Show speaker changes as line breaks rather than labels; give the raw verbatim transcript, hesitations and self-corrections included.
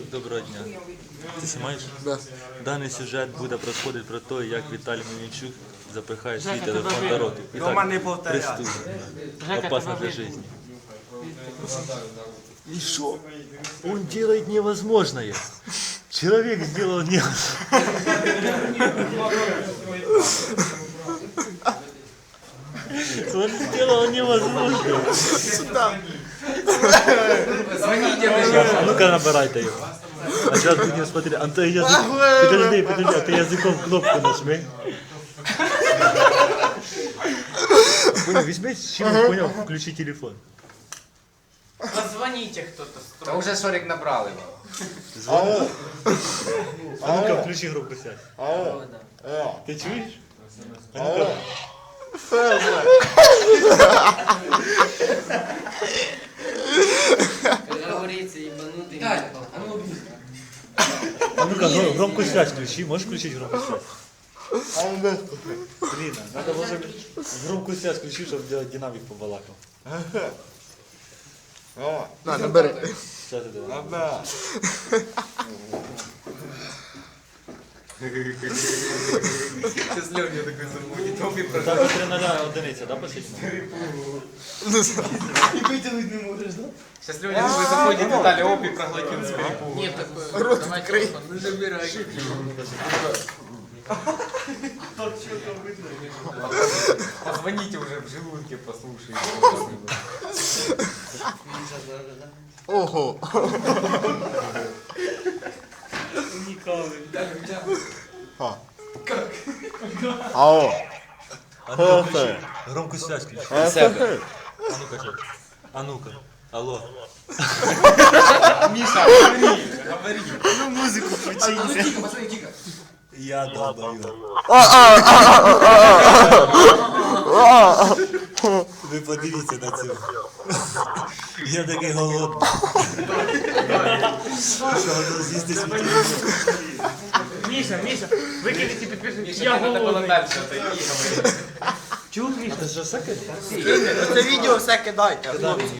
Доброго дня. Ти знімаєш?
Да.
Даний сюжет буде розходити про те, як Віталій Мельничук запихає свій телефон до роту. І
Дома не
так,
повторяй.
преступно. Опасно для жизни. И что? Он делает невозможное. Человек сделал невозможное. Он сделал невозможное. А ну-ка набирайте его. А сейчас будем смотреть. А ты язык... Подожди, подожди, а ты языком кнопку нажми. Понял, возьми, с чего понял, включи телефон.
Позвоните кто-то
Та
строго.
вже сорок набрали.
Звони. А ну-ка, включи громко связь.
Алло.
Ты чуешь? А ну-ка.
Как говорится, ебанутый.
А ну
А ну-ка, гром- громкую связь включи. Можешь включить громкую связь? Блин, надо было громкую связь включить, чтобы делать динамик побалакал.
На, набери.
Сейчас это давай.
Сейчас Лёня такой забудет. Тобі про
Так, вот три нуля одиниця, да, последняя?
Сейчас Лёня такой заходит, Виталий опи проглотил с перепугу.
Нет такой. Рот открой. Ну забирай.
Позвоните уже в желудке, послушайте.
Ого. Алло.
А ну-ка включи. Громкую связь включи.
Себе.
А ну-ка, что? А ну-ка. Алло.
Миша, говори, говори.
Ну музику включи.
Тихо, посмотри, тихо.
Я долбаю. Ви подивіться на це. Я такий голодний. Що воно з'їсти свій телефон?
Миша, Миша, выкинете подписчик.
Миша,
Я
надо было
голодный.
дальше отойти, говори.
Чего, Миша?
Це ж всяке?
Це відео все кидайте.